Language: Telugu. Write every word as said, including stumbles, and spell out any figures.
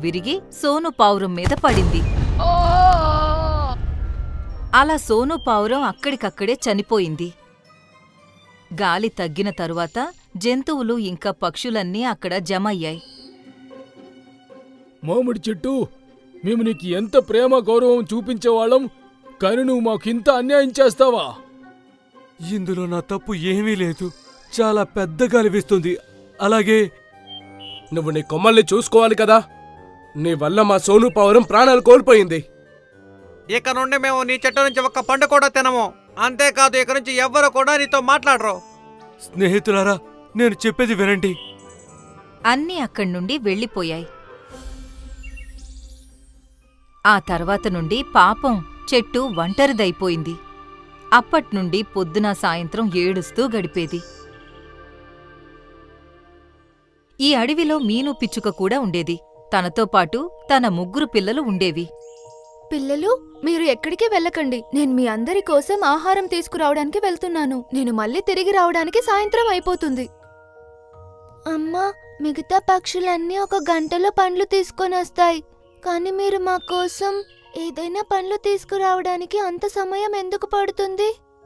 విరిగి సోను పావురం మీద పడింది. అలా సోను పావురం అక్కడికక్కడే చనిపోయింది. గాలి తగ్గిన తరువాత జంతువులు ఇంకా పక్షులన్నీ అక్కడ జమయ్యాయి. మామిడి చెట్టు, మేము నీకు ఎంత ప్రేమ గౌరవం చూపించేవాళ్ళం, కాని నువ్వు మాకింత అన్యాయం చేస్తావా? ఇందులో నా తప్పు ఏమీ లేదు. చాలా పెద్ద గాలి వీస్తుంది. అలాగే నువ్వు నీ కొమ్మల్ని చూసుకోవాలి కదా. నీ వల్ల మా సోను పావురం ప్రాణాలు కోల్పోయింది. ఇక నుండి మేము నీ చెట్టు నుంచి ఒక్క పండు కూడా తినము. అంతేకాదు, ఇక నుంచి ఎవ్వరు కూడా నీతో మాట్లాడరు. స్నేహితులారా, నేను చెప్పేది వినండి. అన్నీ అక్కడ్నుండి వెళ్ళిపోయాయి. ఆ తర్వాత నుండి పాపం చెట్టు ఒంటరిదైపోయింది. అప్పట్నుండి పొద్దున సాయంత్రం ఏడుస్తూ గడిపేది. ఈ అడవిలో మీను పిచ్చుక కూడా ఉండేది. తనతో పాటు తన ముగ్గురు పిల్లలు ఉండేవి. పిల్లలు, మీరు ఎక్కడికి వెళ్ళకండి. నేను మీ అందరి కోసం ఆహారం తీసుకురావడానికి వెళ్తున్నాను. నేను మళ్ళీ తిరిగి రావడానికి సాయంత్రం అయిపోతుంది. అమ్మా, మిగతా పక్షులన్నీ ఒక గంటలో పండ్లు తీసుకొని వస్తాయి. కానీ మీరు మా కోసం ఏదైనా పండ్లు తీసుకురావడానికి అంత సమయం ఎందుకు పడుతుంది?